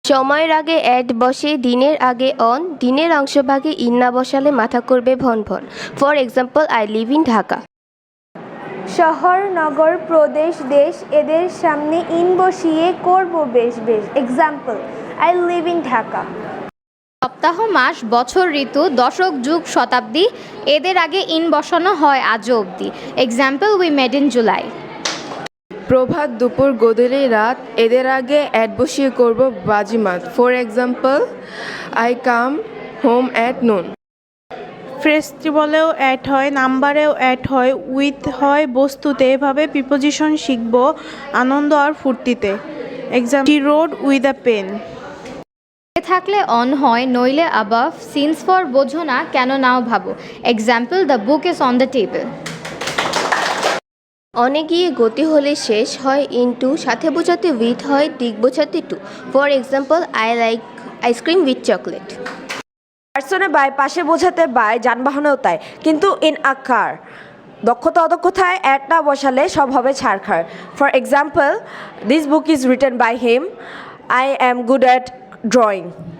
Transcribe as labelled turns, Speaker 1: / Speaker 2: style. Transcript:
Speaker 1: সময়ের আগে অ্যাট বসে, দিনের আগে অন, দিনের অংশভাগে ইন না বসালে মাথা করবে ভন ভন। For example, I live in Dhaka.
Speaker 2: শহর, নগর, প্রদেশ, দেশ এদের সামনে ইন বসিয়ে করব বেশ বেশ। Example, I live in Dhaka.
Speaker 3: সপ্তাহ, মাস, বছর, ঋতু, দশক, যুগ, শতাব্দী এদের আগে ইন বসানো হয় আজও অবধি। Example, we made in July.
Speaker 4: প্রভাত, দুপুর, গোধূলি, রাত এদের আগে অ্যাট বসিয়ে করব বাজিমাত। For example, I come home at noon.
Speaker 5: ফেস্টিভ্যালেও অ্যাড হয়, নাম্বারেও অ্যাড হয়, উইথ হয় বস্তুতে। এভাবে প্রিপোজিশন শিখব আনন্দ আর ফুর্তিতে। Example, he wrote with a pen.
Speaker 3: থাকলে অন হয়, নইলে অ্যাবাভ। সিন্স ফর বোঝো না, কেন নাও ভাবো। Example, the book is on the table.
Speaker 1: অনে গিয়ে গতি হলে শেষ হয় ইনটু, সাথে বোঝাতে উইথ হয়, দিক বোঝাতে to. For example, I like ice cream with chocolate.
Speaker 6: পার্সনে বাই, পাশে বোঝাতে বাই, যানবাহনেও তাই, কিন্তু ইন আ কার দক্ষতা অদক্ষতায় অ্যাট না বসালে সব হবে ছাড়খাড়। For example, this book is written by him, I am good at drawing.